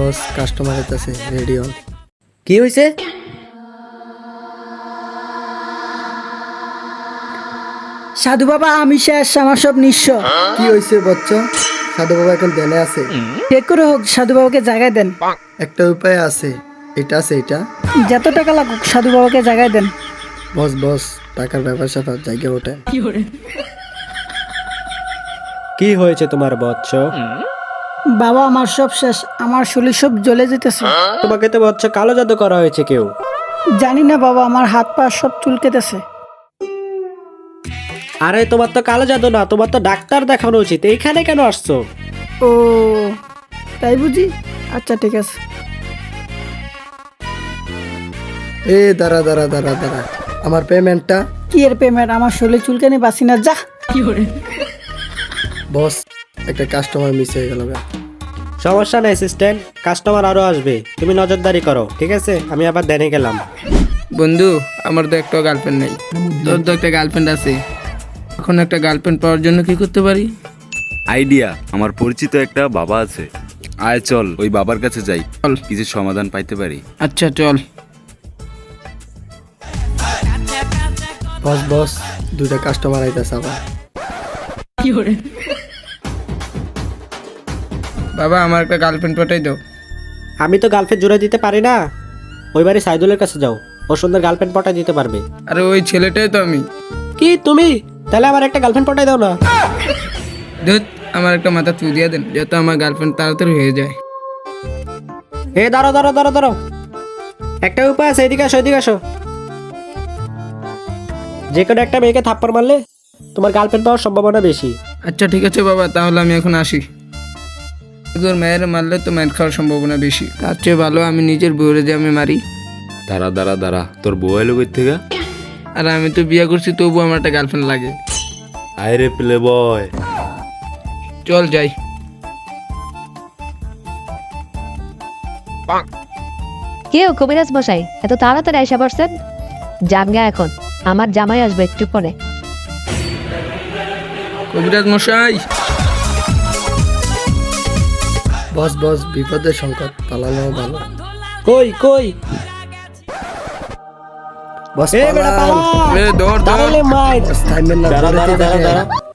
বস customer আছে ready হন। কি হয়েছে? সাধু বাবা আমি শেষ, আমার সব নিঃস্ব। কি হয়েছে বচ্চ? সাধু বাবা এখন দেনে আছে। ঠিক করে হোক সাধু বাবাকে জায়গায় দেন। একটা উপায় আছে, এটা আছে এটা। যত টাকা লাগুক সাধু বাবাকে জায়গায় দেন। বস বস টাকার ব্যাপার স্যাপার জায়গা ওঠে। কি হয়েছে তোমার বৎস? বাবা আমার সব শেষ, আমার শরীর সব জ্বলে যেতেছে। তোমাকে তো বৎস কালো জাদু করা হয়েছে কেউ। জানি না বাবা, আমার হাত পা সব চুলকেতেছে। আরে তোমার তো কালো জাদু না, তোমার তো ডাক্তার দেখানো উচিত। এইখানে কেন আসছো? ও তাই বুঝি, আচ্ছা ঠিক আছে। এ দাঁড়া দাঁড়া দাঁড়া দাঁড়া, আমার পেমেন্টটা। কি এর পেমেন্ট? আমার শরীরে চুলকানি বাসি না, যা। বস একটা কাস্টমার মিস হয়ে গেল। সমস্যা নেই অ্যাসিস্ট্যান্ট, কাস্টমার আরো আসবে, তুমি নজরদারি করো, ঠিক আছে? আমি আবার দেনে গেলাম। বন্ধু আমার তো একটা গার্লফ্রেন্ড নেই, তোর তো একটা গার্লফ্রেন্ড আছে। এখন একটা গার্লফ্রেন্ড পাওয়ার জন্য কি করতে পারি? আইডিয়া, আমার পরিচিত একটা বাবা আছে, আয় চল ওই বাবার কাছে যাই, চল। কিছু সমাধান পাইতে পারি। আচ্ছা চল। বস বস দুইটা কাস্টমার আইতাছে আবার। বাবা আমার একটা গার্লফ্রেন্ড পাঠাই দাও। আমি তো গার্লফ্রেন্ড জোড়া দিতে পারি না, ওই বাড়ি সাইদুলের কাছে যাও, ও সুন্দর গার্লফ্রেন্ড পটাই দিতে পারবে। আরে ওই ছেলেটাই তো আমি। কি তুমি? তাহলে আমার একটা গার্লফ্রেন্ড পটাই দাও না। ধুত, আমার একটা মাথা চু দিয়ে দেন, যাতে আমার গার্লফ্রেন্ড তাড়াতাড়ি হয়ে যায়। এ দাঁড়াও দাঁড়াও দাঁড়াও দাঁড়াও, একটা উপায় আছে, এদিকে আসো এদিকে আসো। যে কোনো একটা মেয়েকে থাপ্পড় মারলে তোমার গার্লফ্রেন্ড পাওয়ার সম্ভাবনা বেশি। আচ্ছা ঠিক আছে বাবা, তাহলে আমি এখন আসি। তোর মেয়ের মারলে তো মায়ের খাওয়ার সম্ভাবনা বেশি, তার চেয়ে ভালো আমি নিজের বউরে যে আমি মারি। দাঁড়া দাঁড়া দাঁড়া, তোর বউ এলো কই থেকে? আর আমি তো বিয়ে করছি, তবু আমার একটা গার্লফ্রেন্ড লাগে। আয় রে প্লে বয়। চল যাই। কেউ কবিরাজ মশাই এত তাড়াতাড়ি আইসা পড়ছেন? জানগা এখন, আমার জামাই আসবে একটু পরে। কবিরাজ মশাই। বস বস বিপদের সংকট, পালানো ভালো। কই কই? বস এ বেটা পালা, এ দৌড় দৌড়। দাঁড়ালে মাইর। বস থাইমেন না, দাঁড়া দৌড়াতে দাঁড়া দাঁড়া থাকে। দাঁড়া,